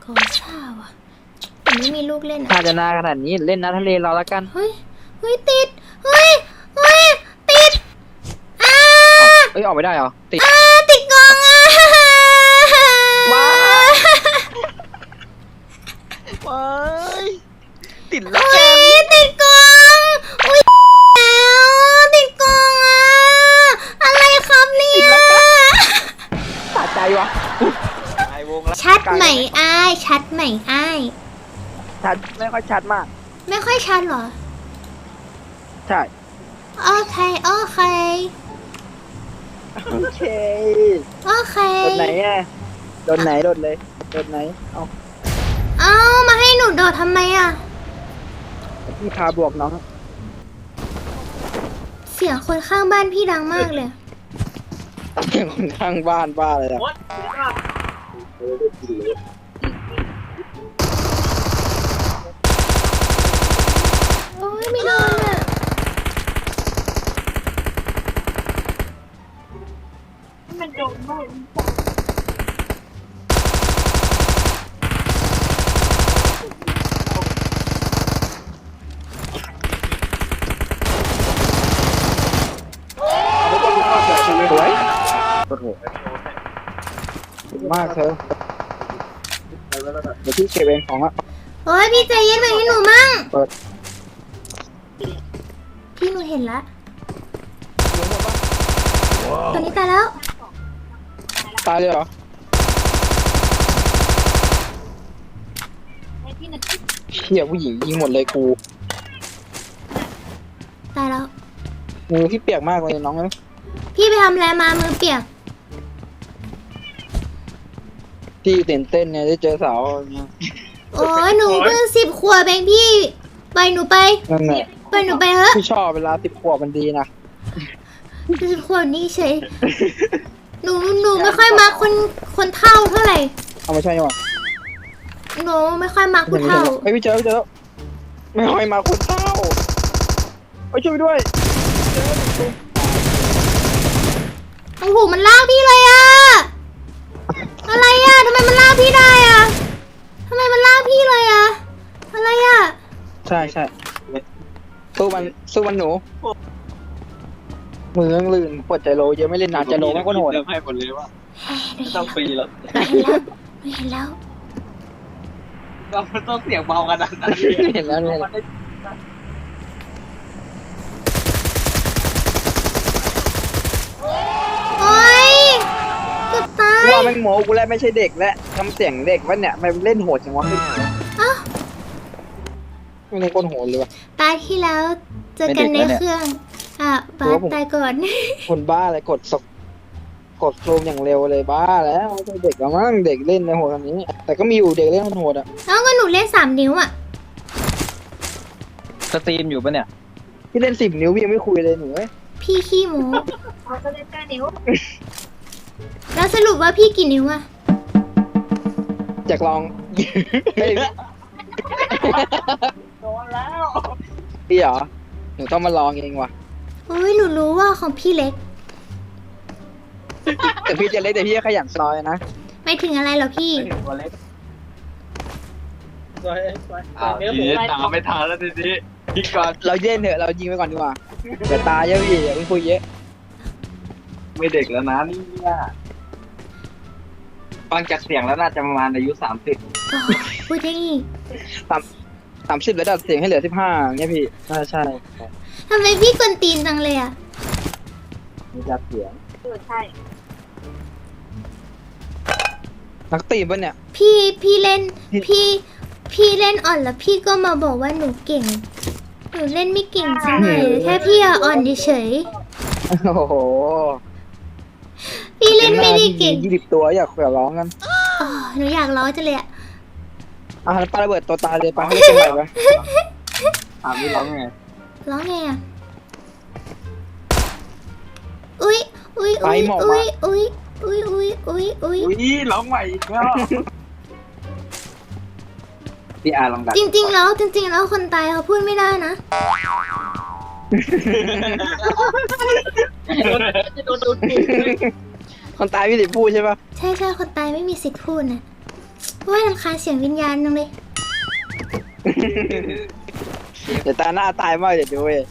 ขอซ่าว่ะแต่ไม่มีลูกเล่นถ้าอ่ะจะนาขนาดนี้เล่นน้ำทะเลเราละกันเฮ้ยเฮ้ยติดเฮ้ยเฮ้ยติดเอ้ยออกไม่ได้เหรอติดติดกองอ่ะว้า ว้ายติดแล้วเฮ้ยติดกองอุ้ยแล้วติดกองอ่ะอะไรครับเนี่ยสะใจวะไอวงแล้วชัดไหมอ้ายชัดไหมอ้ายชัดไม่ค่อยชัดมากไม่ค่อยชัดเหรอใช่โอเคโอเคโอเคโอเคโดนไหนอ่ะโดนไหนโดนเลยโดนไหนเอาเอามาให้หนูโดดทำไมอ่ะพี่พาบวกน้องเสียงคนข้างบ้านพี่ดังมากเลยคนข้างบ้านบ้าเลยอะโอ้ยไม่โดนอ่ะสวยโอ้โหมากเธอเดี๋ยวพี่เก็บเองของอ่ะโอ้ยพี่ใจเย็นไปให้หนูมั่งเปิดพี่หนูเห็นละตอนนี้ตายแล้วตายเลยเหรอเชี่ยผู้หญิงยิงหมดเลยกูตายแล้วมือพี่เปียกมากเลยน้องเอ้ยพี่ไปทำอะไรมามือเปียกพี่ตื่นเต้นเนี่ยได้เจอสาวเนี่ยโอ้ยหนูเพิ่ง10 ขวบเองพี่ไปหนูไปนั่นแหละไปหนูไปเถอะพี่ชอบเวลา10 ขวบมันดีนะ 10 ขวบนี่เฉยหนูไม่ค่อยมักคนเฒ่าเท่าไหร่เอามาใช่ไหมวะหนูไม่ค่อยมักผู้เฒ่าไม่พี่เจอแล้วไม่ค่อยมาคนเฒ่าไปช่วยด้วยโอ้โหมันลากพี่เลยอะอะไรอะทำไมมันลากพี่ได้อะทำไมมันลากพี่เลยอะอะไรอะใช่ใช่สู้มันหนูมือลื่นปวดใจโลเยอะไม่เล่นนานใจโลมากกว่าโหดเติมให้หมดเลยว่าเฮ้ยหนูต้องฟรีแล้วเห็นแล้วเราต้องเสียงเบากันนะเห็นแล้วเนี่ยโอ๊ยเกือบตายว่าแม่งโมกูแล้วไม่ใช่เด็กแล้วทำเสียงเด็กวะเนี่ยมันเล่นโหดจังวะอ้าวไม่เล่นคนโหดเลยวะตายที่แล้วเจอกันในไม่เด็กแล้วเนี่ยเครื่องอ่ะบาหรือสว่าผมตายก่อนคนบ้าอะไรกดโครมอย่างเร็วเลยบ้าแล้วไม่ใช่เด็กแล้วมั้งเด็กเล่นในโหดแบบนี้ แต่ก็มีอยู่เด็กเล่นโหดอ่ะแล้วก็หนูเล่น3 นิ้วอ่ะสตรีมอยู่ปะเนี่ยพี่เล่น10 นิ้วพี่ยังไม่คุยเลยหนูเอ้ยพี่ขี้หมูก็เล่น9 นิ้วแล้วสรุปว่าพี่กี่นิ้วอ่ะอยากลอง เฮ้ยโดนแล้วพี่เหรอหนูต้องมาลองเองว่ะโอ้ยหนูรู้ว่าของพี่เล็กแต่พี่จะเล็กแต่พี่ก็ขยันซอยนะไม่ถึงอะไรหรอพี่ตัวเล็กทีนี้ตามไม่ทันแล้วทีนี้พี่ก่อนเราเย็นเถอะเรายิงไปก่อนดีกว่าเดี๋ยวตายเยอะพี่อย่าเพิ่งคุยเยอะไม่เด็กแล้วนะนี่เนี่ยฟังจากเสียงแล้วน่าจะประมาณอายุ30 พูดได้อีก 30แล้วดัดเสียงให้เหลือ15เนี่ยพี่น่าใช่ทำไมพี่กวนตีนจังเลยอ่ะมีดัดเสียงใช่นักตีมปะเนี่ยพี่เล่นพี่เล่นอ่อนแล้วพี่ก็มาบอกว่าหนูเก่ง หนูเล่นไม่เก่งสักหน่อยแค่พี่อะอ่อนเฉยโอ้โหพี่เล่นไม่ได้เก่ง 20 ตัวอยากร้องกันอ๋อหนูอยากร้องจังเลยอะอ่ะแล้วปาระเบิดตัวตายเลยปาให้เป็นไรไปถามนี่ร้องไงร้องไงอะอุ๊ยอุ๊ยอุ๊ยอุ๊ยอุ๊ยอุ๊ยอุ๊ยอุ๊ยอุ๊ยอุ้ยร้องใหม่อีกแล้วพี่อาลองดักจริงๆแล้วคนตายเขาพูดไม่ได้นะคนตายพี่สิพูดใช่ปะใช่คนตายไม่มีสิทธิ์พูดนะว่ารำคาญเสียงวิญญาณจังเลยเดี๋ยวตาหน้าตายมากเดี๋ยวดูเว้ย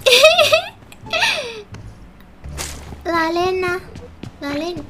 ลาเล่นนะลาเล่น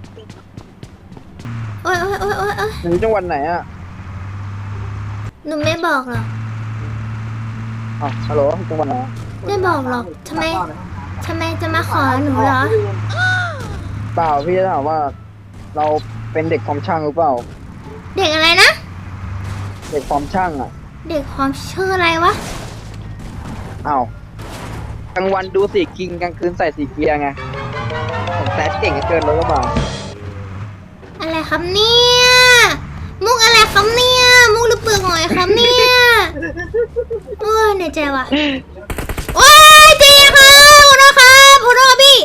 โอ๊ยโอ๊ยโอ๊ยโอ๊ยโอ๊ยหนูจังหวัดไหนอ่ะหนูไม่บอกหรอกอ๋อฮัลโหลจังหวัดไหนไม่บอกหรอกทำไมจะมาขอหนูเหรอเปล่าพี่จะถามว่า เราเป็นเด็กคอมช่างหรือเปล่าเด็กอะไรนะเด็กคอมช่างอ่ะเด็กความชื่ออะไรวะอ้าวกลางวันดูสีกิงกลางคืนใส่สีเกียร์ไงผมแซดเก่งเกินรถกระบะอะไรครับเนี่ยมุกอะไรครับเนี่ยมุกหรือเปลือกหอยครับเนี่ยโอ้ยเหนื่อยใจว่ะโอ้ยเจ๊ค่ะขอโทษครับขอโทษพี่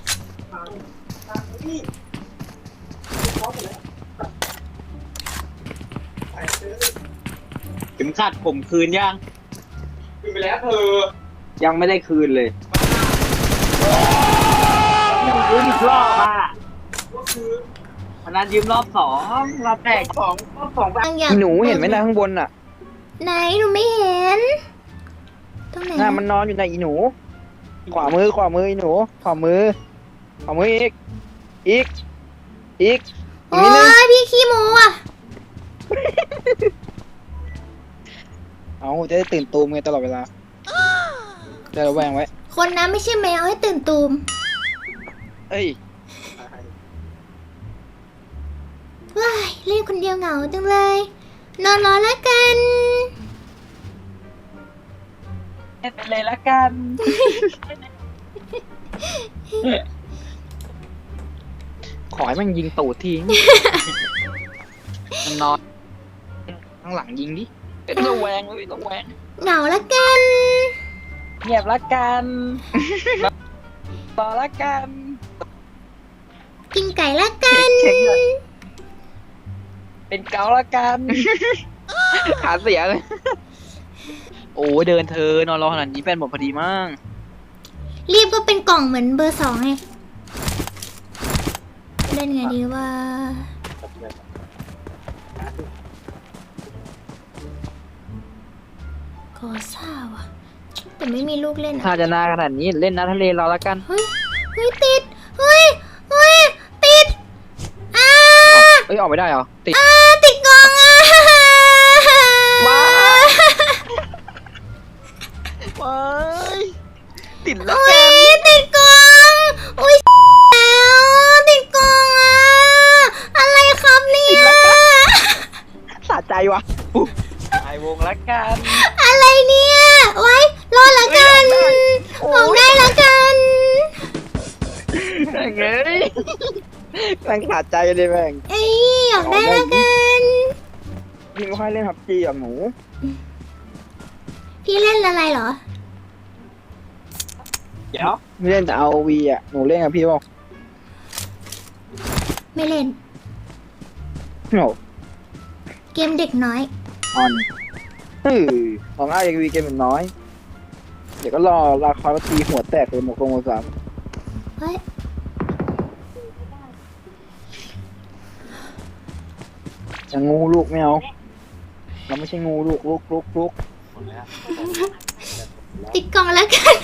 เข็มขัดผมคืนยังคืนไปแล้วเธอยังไม่ได้คืนเลยยืมอีกรอบอ่ะวันนั้นยืมรอบสองรอบแรกรอบสองแบบอยากหนูเห็นไหมนะข้างบนน่ะไหนหนูไม่เห็นตรงไหนน่ามันนอนอยู่ในอีหนู ขวามืออีหนู ขวามืออีกอีกโอ้นิดนึงยพี่ขี้โม้อะเอาจะได้ตื่นตูมไงตลอดเวลาจะระแวงไว้คนนั้นไม่ใช่แมวให้ตื่นตูมเอ้ยว้ายเล่นคนเดียวเหงาจังเลย นอนรอแล้วกันเป็นเลยละกันขอให้มันยิงตูดทิ้ง มันนอนข้างหลังยิงดิเป็นระแวงเลยระแวงเหงาแล้วกันเงียบละกันรอละกันกินไก่แล้วกันเช็คเลยเป็นเกาละกันขาเสียเลย โอ้เดินเธอนอนรอขนาดนี้แฟนหมดพอดีมากรีบก็เป็นกล่องเหมือนเบอร์ 2ไงเล่นไงดีว่าขอซ่าว่ะ แต่ไม่มีลูกเล่นถ้าอ่ะจะนาขนาดนี้เล่นน้ำทะเลรอแล้วกันเฮ้ย เฮ้ย ติด เฮ้ย ติดเอ้ยออกไม่ได้เหรอติดติดกล่องอ่ะว้า ว้ายติดแล้วโอ้แกยติดกล่องอุ้ยแล้วติดกล่องอ่ะ อะไรครับเนี่ยสะใจวะไอวงละกันอะไรเนี่ย ไว้รอละกันออกได้ละกันเงยแม่งขาดใจเลยแม่งเอ้ยออกได้ละกันพี่ไม่ค่อยเล่นพับจีอ่ะหนูพี่เล่นอะไรเหรอเดี๋ยวไม่เล่นแต่เอาวีอ่ะหนูเล่นกับพี่เปล่าไม่เล่นโหเกมเด็กน้อยออนของอ้ายวีเกมเป็นน้อย เดี๋ยวก็รอลาคอยมาตีหัวแตกเลยหมกลงหมดสามเฮ้ยจะงูลูกไม่เอาเราไม่ใช่งูลูกลูกติดกล่องแล้วกัน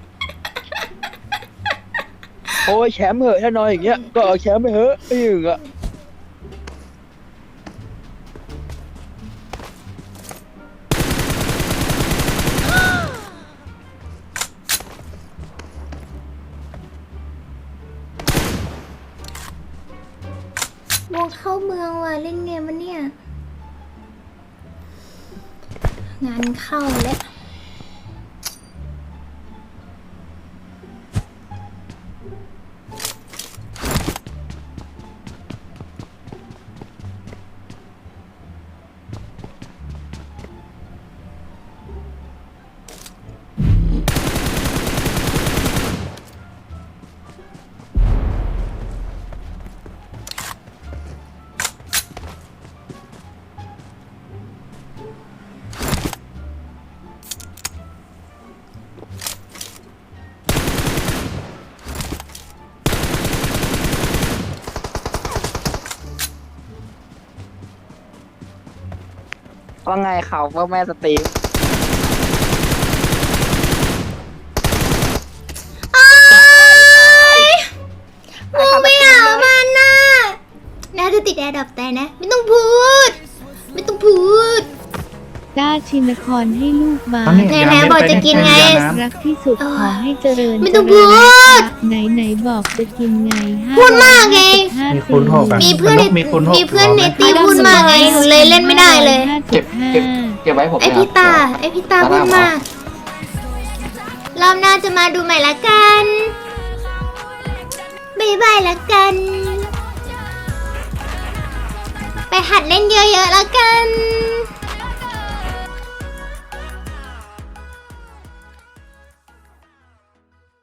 โอ้ยแชมป์เหอะถ้านอนอย่างเงี้ยก็เอาแชมป์ไปเหอะไอ้หนึ่งอ่ะวงเข้าเมืองว่ะเล่นเกมมันเนี่ย งานเข้าแล้วว่าไงเขาว่าแม่สตรีมโอ๊ยมูไม่เอามันน่ะน่าจะติดแอร์ดับแต่นะ ไม่ต้องพูด ไม่ต้องพูดด้าชินครให้ลูกบาสแท้ๆบอกจะกินไงรักที่สุดขอให้เจริญไม่ต้องเจริญพูดไหนบอกจะกินไงพูดมากไงมีคูณหกอะมีเพื่อนในมีคูณหกมีเพื่อนในตีพูดมากไงหนูเลยเล่นไม่ได้เลยเก็บเก็บไว้ผมไอพี่ตาพูดมากรอบหน้าจะมาดูใหม่ละกันบายบายละกัน ไปหัดเล่นเยอะๆละกัน